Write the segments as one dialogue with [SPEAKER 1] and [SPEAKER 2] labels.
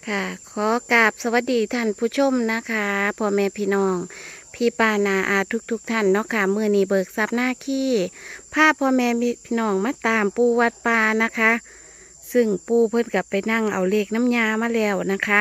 [SPEAKER 1] ค่ะขอกราบสวัสดีท่านผู้ชมนะคะพ่อแม่พี่น้องพี่ปานาอาทุกท่านเนาะค่ะมื้อนี้เบิกทรัพย์หน้าขี้พาพ่อแม่พี่น้องมาตามปูวัดปานะคะ ซึ่งปูเพิ่นกลับไปนั่งเอาเลขน้ำยามาแล้วนะคะ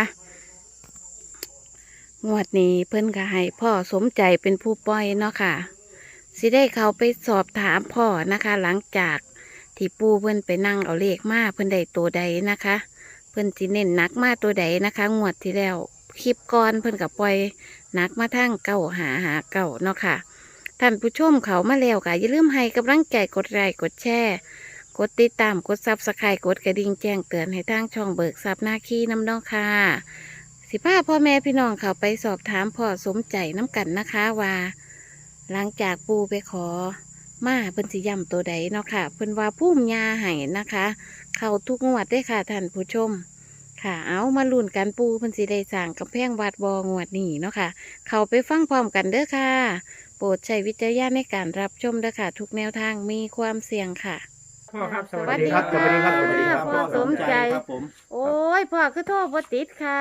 [SPEAKER 1] งวดนี้เพิ่นก็ให้พ่อสมใจเป็นผู้ปล่อยเนาะค่ะสิได้เขาไปสอบถามพ่อนะคะ หลังจากที่ปูเพิ่นไปนั่งเอาเลขมาเพิ่นได้ตัวใดนะคะ เพิ่นสิเน้นหนักมาตัวใดนะคะงวดที่แล้วคลิปก่อนเพิ่นกับปล่อยหนักมาทั้งเก้าหาเก้าเนาะค่ะท่านผู้ชมเขามาแล้วค่ะอย่าลืมให้กำลังใจกดไลค์กดแชร์กดติดตามกดซับสไครต์กดกระดิ่งแจ้งเตือนให้ทางช่องเบิกทรัพย์หน้าขี้น้ำเน้องค่ะสิพาพ่อแม่พี่น้องเขาไปสอบถามพ่อสมใจน้ำกันนะคะว่า หลังจากปูไปขอมาเพิ่นสิย้ำตัวใดเนาะค่ะเพิ่นว่าพุ่มยาให้นะคะ เข้าทุกงวดได้ค่ะท่านผู้ชมค่ะเอามาลุ้นกันปูเพิ่นสิได้สร้างกำแพงวัดบองวดนี้เนาะค่ะเข้าไปฟังพร้อมกันเด้อค่ะโปรดใช้วิจารณญาณในการรับชมเด้อค่ะทุกแนวทางมีความเสี่ยงค่ะ
[SPEAKER 2] พ่อครับส
[SPEAKER 1] สวั
[SPEAKER 2] วั
[SPEAKER 1] ส
[SPEAKER 2] ส
[SPEAKER 1] ดี
[SPEAKER 2] ดี
[SPEAKER 1] ค
[SPEAKER 2] ค
[SPEAKER 1] รั
[SPEAKER 2] รับ บสวัสดีครับ
[SPEAKER 1] ส
[SPEAKER 2] ส
[SPEAKER 1] วั
[SPEAKER 2] วั
[SPEAKER 1] ส
[SPEAKER 2] ส
[SPEAKER 1] ดี
[SPEAKER 2] ดี
[SPEAKER 1] ค
[SPEAKER 2] ค
[SPEAKER 1] รั
[SPEAKER 2] รั
[SPEAKER 1] บบ พ่อสมใจ
[SPEAKER 2] ครับผม
[SPEAKER 1] โอ้ยพ่อคือโทษบ่ติดค่ะ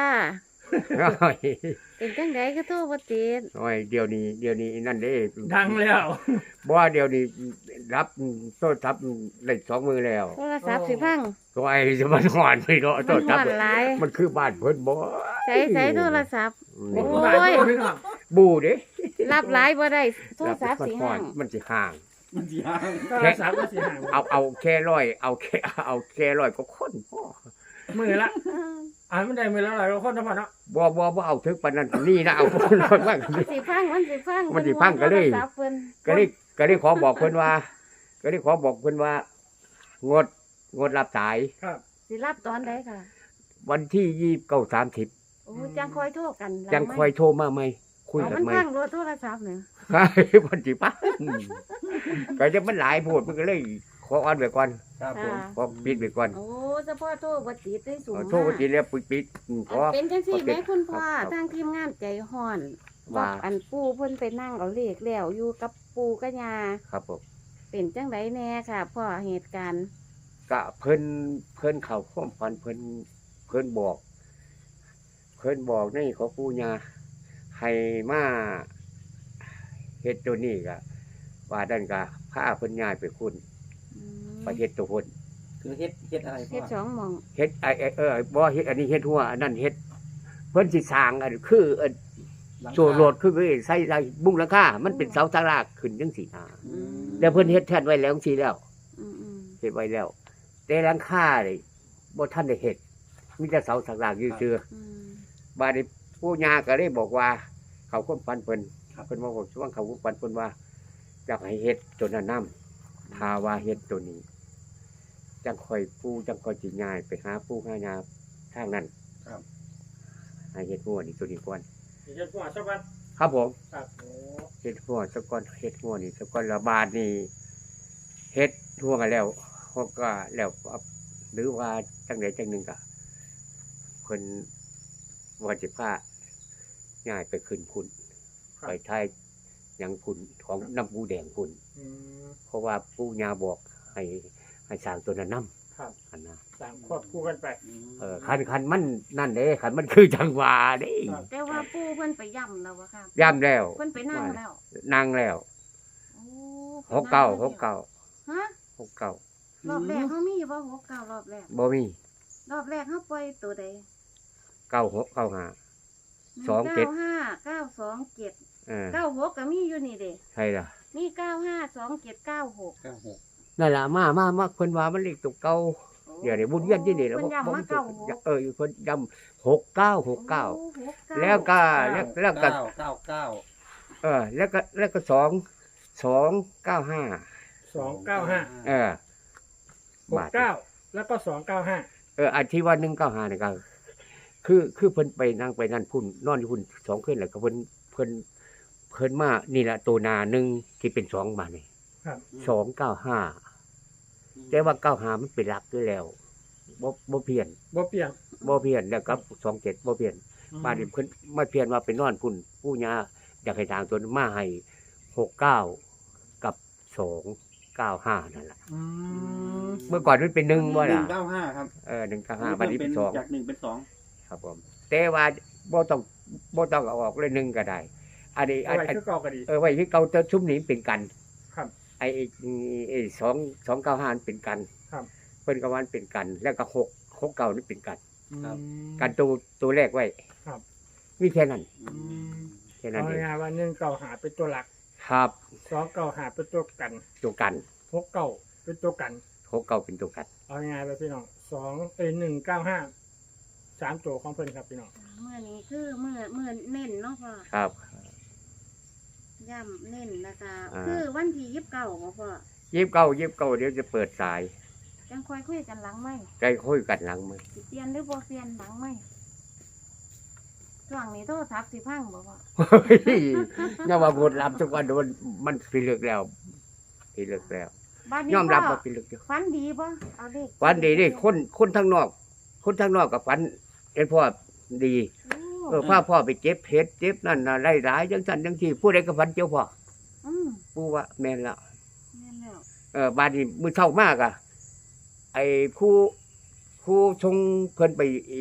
[SPEAKER 1] เป็นจังไดคือโทษบ่ติด
[SPEAKER 3] โอ้ยเดี๋ยวนี้นั่นเด้
[SPEAKER 2] ดังแล้ว
[SPEAKER 3] บ่ว่าเดี๋ยวนี้รับโทรศัพท์ได้สองมือแล้ว
[SPEAKER 1] โทรศัพท์สิพัง
[SPEAKER 3] ตัวไอ้จะมันหอนไปเนาะโท
[SPEAKER 1] มัน
[SPEAKER 3] รศั
[SPEAKER 1] ฮ้
[SPEAKER 3] พ
[SPEAKER 1] อน
[SPEAKER 3] ท์
[SPEAKER 1] หลาย
[SPEAKER 3] มันคือบ้านเพิ่นบ่
[SPEAKER 1] ใช้โทรศัพท์
[SPEAKER 3] นี่
[SPEAKER 1] โอ้ย
[SPEAKER 2] พี่น้อง
[SPEAKER 3] บูเด้
[SPEAKER 1] รับหลายบ่ได้โทรศัพท์
[SPEAKER 3] มัน
[SPEAKER 1] สิ
[SPEAKER 3] ฮ้อ
[SPEAKER 1] ห่าน ง
[SPEAKER 3] มันสิห่าง
[SPEAKER 4] มันสิห่าง
[SPEAKER 2] โทรศัพท์ก็สิห่าง
[SPEAKER 3] เอาแค่ร้อยเอาแค่ร้อยก็คนพ่อ
[SPEAKER 2] มือละมันได้มือละหลายคนนะพ่อเนาะ
[SPEAKER 3] บ่เอาถึงปานนั้นนี่นะเอาคนร้อยบ้าง
[SPEAKER 1] มันสิพังมันสิพัง
[SPEAKER 3] มันสิพังก็เลย
[SPEAKER 1] โทรศัพท์เพิ่น
[SPEAKER 3] ก็ได้ขอบอกเพิ่นว่า งดรับสาย
[SPEAKER 2] ครับ
[SPEAKER 1] สิรับตอนใดค่ะ
[SPEAKER 3] วันที่29 30
[SPEAKER 1] โอ้จังคอยโทรกันหลั
[SPEAKER 3] จังคอยโทรมาไหมคุย
[SPEAKER 1] เอา
[SPEAKER 3] กั
[SPEAKER 1] มัน น
[SPEAKER 3] ไหม
[SPEAKER 1] พังรถโทรศัพท์เนี่ย
[SPEAKER 3] ใช่วันที่ป้าก็จะมันหลายโพดมันก็เลยขอออนไว้ก่อน
[SPEAKER 4] ครับผม
[SPEAKER 3] ขอปิดไว้ก่อน
[SPEAKER 1] โอ้เฉพาะโทรบ่ติดได้สูง
[SPEAKER 3] โทรไปทีแล้วปิดขอ
[SPEAKER 1] อันเป็นจังซี่แหมคุณพ่อ
[SPEAKER 3] ครับ
[SPEAKER 1] ทางทีมงานใจฮ้อน
[SPEAKER 3] ว่า
[SPEAKER 1] อันปู่เพิ่นไปนั่งเอาเลขแล้วอยู่กับปู่กับย่า
[SPEAKER 3] ครับผม
[SPEAKER 1] เป็นจังไดแน่ค่ะพ่อเหตุการณ์
[SPEAKER 3] ก็เพิ่นเข้าความฝันเพิ่นบอกในขอปู่ย่าให้มาเฮ็ดตัวนี้ก็ว่าดันก็พาเพิ่นย้ายไปคุณ
[SPEAKER 1] อืม
[SPEAKER 3] ไปเฮ็ดตัวเพิ่น
[SPEAKER 4] คือเฮ็ดอะไรพ่
[SPEAKER 1] เฮ็ดส
[SPEAKER 4] อ
[SPEAKER 1] องหม่อง
[SPEAKER 3] เฮ็ดบ่เฮ็ดอันนี้เฮ็ดหัวอันนั้นเฮ็ดเพิ่นสิสร้างอันคืออัน
[SPEAKER 4] หลังคา
[SPEAKER 3] โซโลดคือใส่บุ้งหลังคามันเป็นเสาตารางขึ้นจังซี่นะ
[SPEAKER 1] อืม
[SPEAKER 3] แล้วเพิ่นเฮ็ดแท่นไว้แล้วจังซี่แล้ว
[SPEAKER 1] อืม
[SPEAKER 3] เฮ็ดไว้แล้ว แต่หลังคานี่บ่ทันได้เฮ็ดมีแต่เสาตารางอยู่ซื่อ
[SPEAKER 1] อืม
[SPEAKER 3] บาดนี้ปู่ย่าก็เลยบอกว่า เขาความฝันเพิ่นเพิ่นบอกว่าเขาความฝันเพิ่นว่าอยากให้เฮ็ดตัวนั้นนํถ้าว่าเฮ็ดตัวนี้ จังค่อยปู่จังค่อยสิย้ายไปหาปู่หาย่าทางนั้น
[SPEAKER 4] ครับ
[SPEAKER 3] ให้เฮ็ดหัวนี่ตัวนี้ก่อน
[SPEAKER 2] เฮ็ดพ่อสักวัน
[SPEAKER 3] ครับผม
[SPEAKER 2] ครับโอ้
[SPEAKER 3] เฮ็ดหัวสักก่อนเฮ็ดหัวนี่สักก่อนละบาทนี่เฮ็ดหัวกันแล้วเขาก็แล้วหรือว่าจังใดจังหนึ่งก็เพิ่นว่าสิพาย้ายไปขึ้นพุ่นไปทายหยังพุ่นของน้ำปูแดงพุ่น
[SPEAKER 2] อืม
[SPEAKER 3] เพราะว่าปู่ย่าบอกให้สร้างตัวนั้นนำ
[SPEAKER 2] ครับ
[SPEAKER 3] อันนะ
[SPEAKER 2] สามควบคู่กันไป
[SPEAKER 3] คันมันนั่นเด้คันมันคือจังหวะเด้
[SPEAKER 2] ครับ
[SPEAKER 1] แต่ว่าปู่เพิ่นไปย่ำแล้วอะค่ะ
[SPEAKER 3] ย่ำแล้ว
[SPEAKER 1] เพิ่นไปนั่งแล้ว
[SPEAKER 3] นั่งแล้ว
[SPEAKER 1] โอ้
[SPEAKER 3] หกเก้า
[SPEAKER 1] ฮะ
[SPEAKER 3] 69
[SPEAKER 1] รอบแรกเขามีอยู่บ่69รอบแรก
[SPEAKER 3] บ่มี
[SPEAKER 1] รอบแรกเขาปล่อยตัวใด
[SPEAKER 3] 96 95 27
[SPEAKER 1] 95927 96ก็มีอยู่นี่เด้
[SPEAKER 3] ใช่ล่ะ
[SPEAKER 1] มี952796
[SPEAKER 4] 96
[SPEAKER 3] นั่นล่ะมาเพิ่นว่ามันเลขตัวเก่าเดี๋ยวนี้บุญเวียนที่นี่แล้ว
[SPEAKER 1] เพิ่นย้ำมา96
[SPEAKER 3] เพิ่นย้ำ69แล้วก็แล้วก็
[SPEAKER 4] 999
[SPEAKER 3] แล้วก็295
[SPEAKER 2] 295
[SPEAKER 3] เออ
[SPEAKER 2] 69แล้วก็295
[SPEAKER 3] อันที่ว่า195นี่ก็คือเพิ่นไปนั่งไปนั่นพุ่นนอนอยู่พุ่น2คืนแล้วก็เพิ่นมานี่ล่ะตัวหน้าหนึงที่เป็น2มานี่
[SPEAKER 2] ครับ
[SPEAKER 3] 295แต่ว่า95มันเป็นหลักอยู่แล้วบ่เพี้ยน
[SPEAKER 2] บ่เปลี่ยน
[SPEAKER 3] แล้วกับ27บ่เพี้ยน บ้านนี้เพิ่นมาเพียนว่าไปนอนพุ่นปู่ย่าอยากให้ทางตัวมาให้69กับ295นั่นล่ะ
[SPEAKER 2] อืม
[SPEAKER 3] เมื่อก่อนมันเป็น1บ่ล่ะ
[SPEAKER 4] 195ครับ
[SPEAKER 3] 195บัดนี้เป็น2
[SPEAKER 4] จาก1เป็น2
[SPEAKER 3] ครับผมแต่ว่าบ่ต้องเอาออกเลยหนึงก็ได้ อันนี้
[SPEAKER 2] เอาไว้คือเก่าก็ดี
[SPEAKER 3] ไว้ที่เก่าแต่ชุมนี้เป็นกัน
[SPEAKER 2] ครับ
[SPEAKER 3] ไอ้295เป็นกัน
[SPEAKER 2] ครับ
[SPEAKER 3] เพิ่นก็ว่ามันเป็นกัน แล้วก็669นี่เป็นกัน
[SPEAKER 4] ครับ
[SPEAKER 3] กันตัวแรกไว้
[SPEAKER 2] ครับ
[SPEAKER 3] มีแค่นั้น
[SPEAKER 4] อืม
[SPEAKER 3] แค่นั้น
[SPEAKER 2] เอา
[SPEAKER 3] เอง
[SPEAKER 2] ง่ายๆว่า1เก่าหาเป็นตัวหลัก
[SPEAKER 3] ครับ
[SPEAKER 2] 2เก่าหาเป็นตัวกัน
[SPEAKER 3] ตัวกัน
[SPEAKER 2] 6เก่าเป็นตัวกัน
[SPEAKER 3] 69เป็นตัวกัน
[SPEAKER 2] เอาง่ายๆไปพี่น้อง195 3ตัวของเพิ่นครับพี่น้อง
[SPEAKER 1] เมื่อนี้คือเมื่อเน้นเนาะพ่อ
[SPEAKER 3] ครับ
[SPEAKER 1] ย่ำเน้นนะคะ
[SPEAKER 3] อ่า
[SPEAKER 1] คือวันที่29บ่พ่อ
[SPEAKER 3] 29เดี๋ยวจะเปิดสาย
[SPEAKER 1] จังค่อยคุยกันหลังไหม
[SPEAKER 3] ใจคุยกันหลังมือ
[SPEAKER 1] สิเปลี่ยนหรือบ่เปลี่ยนหลังไหมช่วงนี้โทรศัพท์สิพังบ่พ่อ
[SPEAKER 3] เฮ้ยอย่าว่าบทรับทุกวันมันพิลึกแล้วพิลึกแล้ว
[SPEAKER 1] บัดนี้
[SPEAKER 3] ยอมรับ
[SPEAKER 1] พ่
[SPEAKER 3] ว่าพิลึกอยู่
[SPEAKER 1] ฝันดีบ่เอาเด็ก
[SPEAKER 3] ฝันดีนี่คนทางนอกกับฝันเห็นพ่อดี พาพ่อไปเจ็บเพชรเจ็บนั่นน่ะไล่หลายจังซั่นจังซี่ผู้ใดก็ฝันเจียวพ่อ
[SPEAKER 1] อืม
[SPEAKER 3] ปู่ว่าแม่นแล้ว
[SPEAKER 1] แม่นแล้ว
[SPEAKER 3] บาดนี้มื้อเช้ามากอ่ะไอ้ผู้ชงเพิ่นไป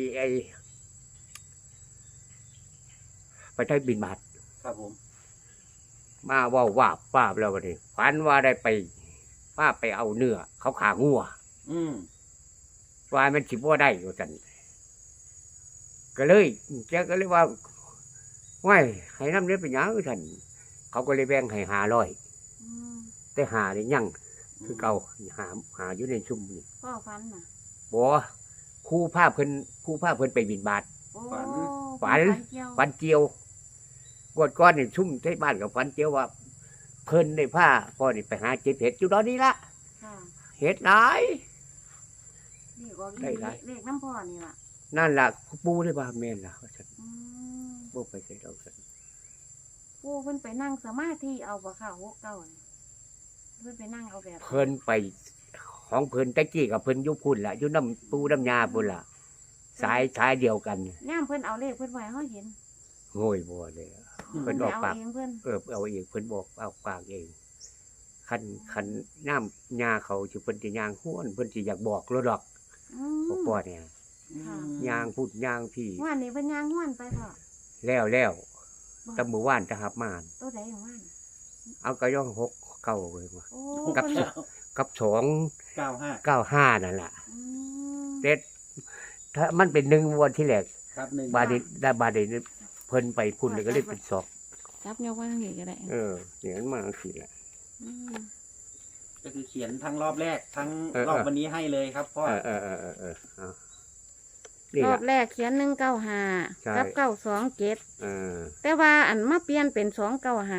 [SPEAKER 3] ไปไทยบินบาท
[SPEAKER 4] ครับผม
[SPEAKER 3] มาเว้าว่าป้าบแล้วบัดนี้ฝันว่าได้ไปป้าไปเอาเนื้อเขาขางัว
[SPEAKER 4] อืม
[SPEAKER 3] ว่ามันสิบ่ได้ว่าซั่นก็เลยแกก็เลยว่าห้วยให้นำเด้เป็นหยังซั่นเขาก็เลยแบ่งให้500
[SPEAKER 1] อืม
[SPEAKER 3] แต่หานี่ยังคือเก่าหาอยู่ในชุมนี่
[SPEAKER 1] พ่อฝันน่ะ
[SPEAKER 3] บ่ครูพาเพิ่นไปบิณฑบาต
[SPEAKER 1] โอ้
[SPEAKER 3] ฝัน
[SPEAKER 1] เกี่ยว
[SPEAKER 3] ฝันเจียวกวดก้อนนี่ชุ่มที่บ้านกับฝันเจียวว่า เพิ่นได้พาพ่อนี่ไปหาเจ็บเห็ดอยู่ตอนนี้ละ
[SPEAKER 1] ค่ะ
[SPEAKER 3] เห็ดหลาย
[SPEAKER 1] นี่ออก
[SPEAKER 3] ได้หลาย
[SPEAKER 1] เลขน้ำพ่อนี่ล่ะ
[SPEAKER 3] นั่นล่ะปูได้ว่าแม่นล่ะว่าซั่น
[SPEAKER 1] อืม
[SPEAKER 3] บ่ไปใส่ดอกซั่น
[SPEAKER 1] ปู่เพิ่นไปนั่งสมาธิเอาบ่ค่ะ69นี่เพิ่นไปนั่งเอาแบบ
[SPEAKER 3] เพิ่นไปของเพิ่นตะกี้กับเพิ่นอยู่พุ่นล่ะอยู่น้ำปูน้ำยาพุ่นล่ะสายเดียวกัน
[SPEAKER 1] ย่ามเพิ่นเอาเลขเพิ่นไว้เฮาเห็น
[SPEAKER 3] โง่ยบ่เลย เพิ่น
[SPEAKER 1] ไป
[SPEAKER 3] ออก
[SPEAKER 1] เอา
[SPEAKER 3] ปาก
[SPEAKER 1] เองเพิ่น
[SPEAKER 3] เอาเองเพิ่นบอกเอาปากเองคันน้ำยาเขาสิเพิ่นสิย่างห้วนเพิ่นสิอยากบอกแล้วดอก
[SPEAKER 1] อื
[SPEAKER 3] พ่อ
[SPEAKER 1] ม
[SPEAKER 3] พ่อเนี่ย
[SPEAKER 1] ค่ะ
[SPEAKER 3] ย่างพูดย่างพี่
[SPEAKER 1] ว่านนี่เพิ่นย่างห้วนไปพ่อ
[SPEAKER 3] แล้วตำมือว่านจะหับมาน
[SPEAKER 1] ตัวใดของว่าน
[SPEAKER 3] เอากระย่อง6 9เลยว่า
[SPEAKER 1] โอ้
[SPEAKER 3] กับ
[SPEAKER 1] เพิ่น
[SPEAKER 3] กับ
[SPEAKER 4] 95
[SPEAKER 3] 295นั่นล่ะ
[SPEAKER 1] อืม
[SPEAKER 3] เด็ดถ้ามันเป็น1วันที่แรก
[SPEAKER 4] ครับหนึ่ง
[SPEAKER 3] บาดนี้ได้บาดนี้เพิ่นไปพุ่นเลยก็เลยเป็น2
[SPEAKER 1] จับยกไว้ทางนี้ก็ได้
[SPEAKER 3] อย่างนั้นมาสิแหละ
[SPEAKER 1] อืม
[SPEAKER 4] ก็คือเขียนทั้งรอบแรกทั้ง
[SPEAKER 3] เออ
[SPEAKER 4] รอบวันนี้ให้เลยครับพ่อ
[SPEAKER 3] เอานี่
[SPEAKER 1] รอ
[SPEAKER 3] ล่ะ
[SPEAKER 1] บแรกเขียน195
[SPEAKER 3] ใช่
[SPEAKER 1] กับ927
[SPEAKER 3] เออ
[SPEAKER 1] แต่ว่าอันมาเปลี่ยนเป็น295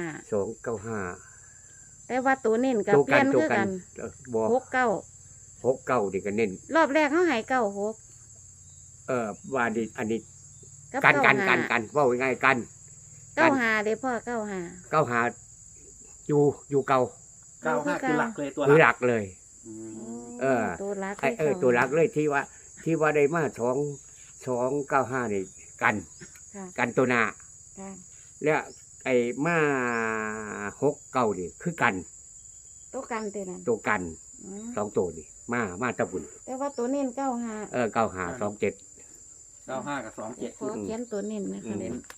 [SPEAKER 3] 295
[SPEAKER 1] แต่ว่าตัวเน้นกับ
[SPEAKER 3] ตัว
[SPEAKER 1] เปลี่
[SPEAKER 3] กั
[SPEAKER 1] ย
[SPEAKER 3] น
[SPEAKER 1] น
[SPEAKER 3] ตัว
[SPEAKER 1] คือ
[SPEAKER 3] กั
[SPEAKER 1] กัน น
[SPEAKER 3] บ่
[SPEAKER 1] 69
[SPEAKER 3] นี่ก็เน้น
[SPEAKER 1] รอบแรกเขาใหาย96
[SPEAKER 3] ว่าดิอันนี้
[SPEAKER 1] กับ
[SPEAKER 3] กัน
[SPEAKER 1] 95
[SPEAKER 3] กันเว้าง่ายๆกัน
[SPEAKER 1] 95เลยพ่อ95
[SPEAKER 3] 95อยู่เก่า
[SPEAKER 4] 95คือหลักเลยตัว
[SPEAKER 3] คือ
[SPEAKER 4] ห
[SPEAKER 3] ห
[SPEAKER 4] ลัก
[SPEAKER 3] ลักเลย
[SPEAKER 4] อืม
[SPEAKER 3] เออ
[SPEAKER 1] ตัวรัก
[SPEAKER 3] ตัวหลักเลยที่ว่าได้มา295นี่กัน
[SPEAKER 1] ค่ะ
[SPEAKER 3] กันตัวหน้า
[SPEAKER 1] ค่ะ
[SPEAKER 3] แล้วไอ้มา69นี่คือกัน
[SPEAKER 1] ตัวกันตัวนั้น
[SPEAKER 3] ตัวกัน
[SPEAKER 1] อืม
[SPEAKER 3] 2ตัวนี่มาตะบุญ
[SPEAKER 1] แต่ว่าตัวเน้น95
[SPEAKER 3] 9527
[SPEAKER 4] 95กับ27
[SPEAKER 1] ขอเขียนตัวเน้นนะคะ
[SPEAKER 3] อืม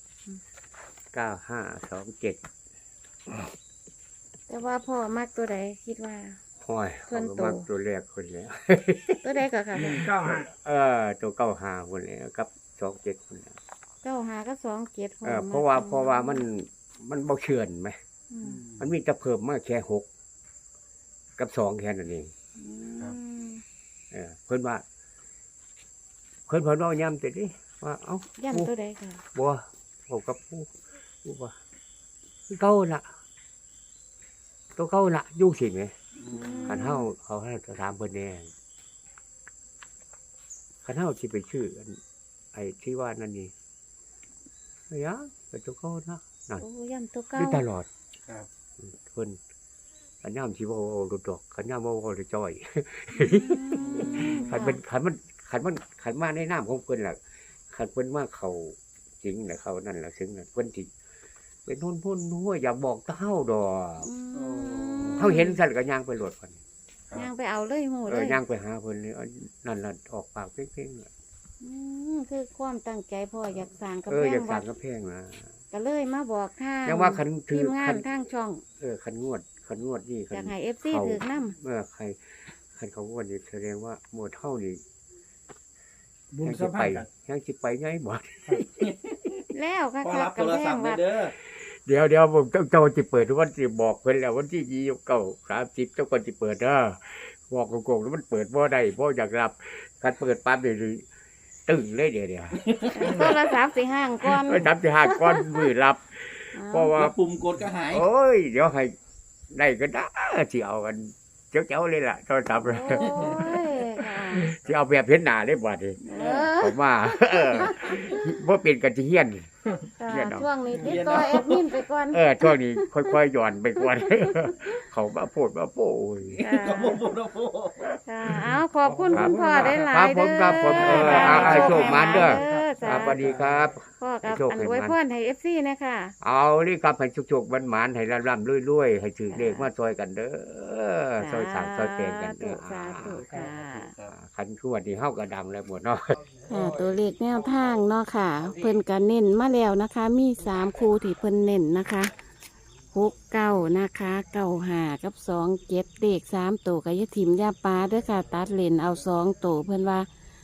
[SPEAKER 3] 9527
[SPEAKER 1] แต่ว่าพ่อมักตัวใดคิดว่า
[SPEAKER 3] ห้อย
[SPEAKER 1] เพิ่น
[SPEAKER 3] เขา
[SPEAKER 1] โต
[SPEAKER 3] ก็มักตัวแรกคนแล้ว
[SPEAKER 1] ตัวใดก็ค่ะ
[SPEAKER 2] 195
[SPEAKER 3] ตัว95คนแล้วกับ27คนแล้ว
[SPEAKER 1] 95กับ27
[SPEAKER 3] เพราะว่ามันบ่เชื่อนไหม
[SPEAKER 1] อืม
[SPEAKER 3] มันมีแต่เพิ่มมาแค่6กับ2แค่นั้นเอง
[SPEAKER 1] อืม
[SPEAKER 3] เพิ่นว่าเว้าย้ำแต่ดิว่าเอ้า
[SPEAKER 1] ย่ำตัวใดค่ะ
[SPEAKER 3] บ่ผมกับผู้ว่าคือเก่าล่ะตัวเก่าล่ะอยู่สิแหม
[SPEAKER 4] อืม
[SPEAKER 3] คันเฮาเขาให้ถามเพิ่นแน่คันเฮาสิไปชื่ออันไอ้ที่ว่านั่นนี่เฮ้ยก็ตัวเก่านะนั่น
[SPEAKER 1] โอ้ย่ำตัวเก่า
[SPEAKER 3] อยู่ตลอด
[SPEAKER 4] ครับ
[SPEAKER 3] เพิ่นคันยามสิเว้ารุดดอกคันยามเว้าจะจ้อย คันมันมาในนามของเพิ่นล่ะคันเพิ่นมาเขาจริงน่ะเขานั่นล่ะซึ่งน่ะเพิ่นสิเป็นหุ่นหัวอยากบอกเฮาดอก
[SPEAKER 1] อืม
[SPEAKER 3] เฮาเห็นซั่นก็ย่างไปโลดเพิ่น
[SPEAKER 1] ย่างไปเอาเลยโหเลย
[SPEAKER 3] ย่างไปหาเพิ่นเลยนั่นล่ะออกปากเพ่งๆน่ะ
[SPEAKER 1] อคือความตั้งใจพ่ออยากสร้างกำ
[SPEAKER 3] เออ
[SPEAKER 1] แพ
[SPEAKER 3] อง ยาก
[SPEAKER 1] วั
[SPEAKER 3] สั่
[SPEAKER 1] ด
[SPEAKER 3] งกระแพงนะ
[SPEAKER 1] ก็เลยมาบอกทาง
[SPEAKER 3] ยังว่าคันถื
[SPEAKER 1] ที
[SPEAKER 3] อ
[SPEAKER 1] มงา
[SPEAKER 3] คั
[SPEAKER 1] น
[SPEAKER 3] น
[SPEAKER 1] ทางช่อง
[SPEAKER 3] คันงวดนี่คั
[SPEAKER 1] อยาก
[SPEAKER 3] น
[SPEAKER 1] ให้ FC
[SPEAKER 3] เขา
[SPEAKER 1] ถือนำ
[SPEAKER 3] เมื่อใครคันเขางวดนี่แสดงว่าหมดเท่านี่
[SPEAKER 2] บุญ
[SPEAKER 3] ยัง
[SPEAKER 2] สั
[SPEAKER 3] สิ
[SPEAKER 2] ม
[SPEAKER 3] ไป
[SPEAKER 2] พันธ์กัน
[SPEAKER 3] ยังสิไปไงบ่
[SPEAKER 1] แล้วค่ะ
[SPEAKER 4] พ่อรับโทร
[SPEAKER 1] กำแพ
[SPEAKER 4] ศั
[SPEAKER 1] ง
[SPEAKER 4] พท์เล
[SPEAKER 1] วั
[SPEAKER 4] ย
[SPEAKER 1] ด
[SPEAKER 4] เด้อ
[SPEAKER 3] เดี๋ยวผมเจ้าจะเปิดวันที่บอกเพิ่นแล้ววันที่29 30เจ้าก่อนสิเปิดเด้อบอกโกงๆแล้วมันเปิดบ่ได้บ่อยากรับการเปิดปั๊บนี่ตึงเลยเดี๋ยว
[SPEAKER 1] โทรศัพท์สิห่างก่อน
[SPEAKER 3] ไปทำที่หาก้อนมือรับ เพราะว่า
[SPEAKER 4] แล้วปุ่มกดก็หาย
[SPEAKER 3] โอ้ยเดี๋ยวให้ได้ก็ได้สิเอากันเจ้าเลยล่ะโทรศัพท์
[SPEAKER 1] โอ้ยค่ะ
[SPEAKER 3] สิเอาแบบเห็นหน้าได้บ่ดิ
[SPEAKER 1] เออ
[SPEAKER 3] ผมว่าบ่เป็นกันสิเฮียน
[SPEAKER 1] ค่ะ
[SPEAKER 3] เรียนเอา
[SPEAKER 1] ช่วงนี้ติดต่อแอดมินไปก่อน
[SPEAKER 3] ช่วงนี้ค่อยๆหย่อนไปก่อน เขามาโพดมาโป้ย
[SPEAKER 1] ค่ะ
[SPEAKER 4] ก็โมโหโมโห
[SPEAKER 1] ค่ะเอาขอบคุณ
[SPEAKER 3] ครับ
[SPEAKER 1] คุณพ่อได้หลา
[SPEAKER 3] ครั
[SPEAKER 1] ย
[SPEAKER 3] บผม
[SPEAKER 1] เด้อ
[SPEAKER 3] ครับผม
[SPEAKER 1] ค่ะ
[SPEAKER 3] โชคมันเด้อ
[SPEAKER 1] สา
[SPEAKER 3] ครับสวัสดีครับ
[SPEAKER 1] พ่อกับ
[SPEAKER 3] โชค
[SPEAKER 1] อัน
[SPEAKER 3] ให้
[SPEAKER 1] อวย
[SPEAKER 3] มัน
[SPEAKER 1] พรให้ FC นะคะ
[SPEAKER 3] เอานี่ครับให้ชุกๆหวานๆให้ร่ำๆรวยๆให้ถือเลขมาซอยกันเด้อซอยสร้างซอยแปลงกันเด้อ
[SPEAKER 1] สาธุค่ะ
[SPEAKER 3] คันขวดนี่เฮาก็ดังแล้วหมดเนาะ
[SPEAKER 1] ค่ะตัวเลขแนวทางเนาะค่ะ เพิ่นก็เน้นมาแล้วนะคะ มี3คู่ที่เพิ่นเน้นนะคะ69นะคะ95กับ27เลข3ตัวก็อย่าถิ่มอย่าปาเด้อค่ะ ตัดเลนเอา2ตัวเพิ่นว่า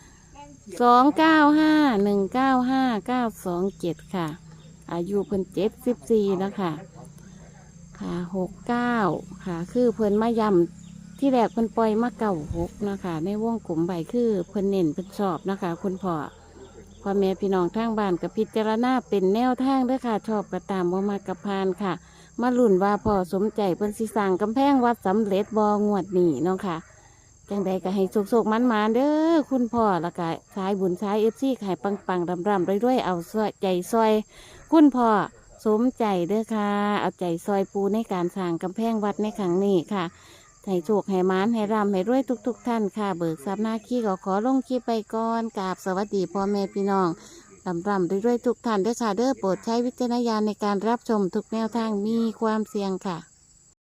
[SPEAKER 1] 2951959927ค่ะ อายุเพิ่น74นะคะค่ะ69ค่ะคือเพิ่นมาย้ำที่แรกเพิ่นปล่อยมา96นะคะในวงกลมใบคือเพิ่นเน้นเพิ่นชอบนะคะ คุณพ่อพ่อแม่พี่น้องทางบ้านกับพิจารณาเป็นแนวทางเด้อค่ะ ชอบก็ตามบ่มากกับพานค่ะ มาลุ้นว่าพ่อสมใจเพิ่นสิสร้างกำแพงวัดสำเร็จบ่งวดนี้เนาะค่ะจังใดก็ให้สุกๆมันๆเด้อคุณพ่อแล้วก็สายบุญสาย FC ให้ปังๆร่ำๆรวยๆเอาใจซอย คุณพ่อสมใจเด้อค่ะ เอาใจซอยปูในการสร้างกำแพงวัดในครั้งนี้ค่ะให้โชคให้มานให้ร่ำให้รวยทุกท่านค่ะ เบิกทรัพย์หน้าขี้ก็ขอลงคลิปไปก่อนกราบสวัสดีพ่อแม่พี่น้องร่ำรวยทุกท่านเด้อค่ะเด้อโปรดใช้วิจารณญาณในการรับชมทุกแนวทางมีความเสี่ยงค่ะ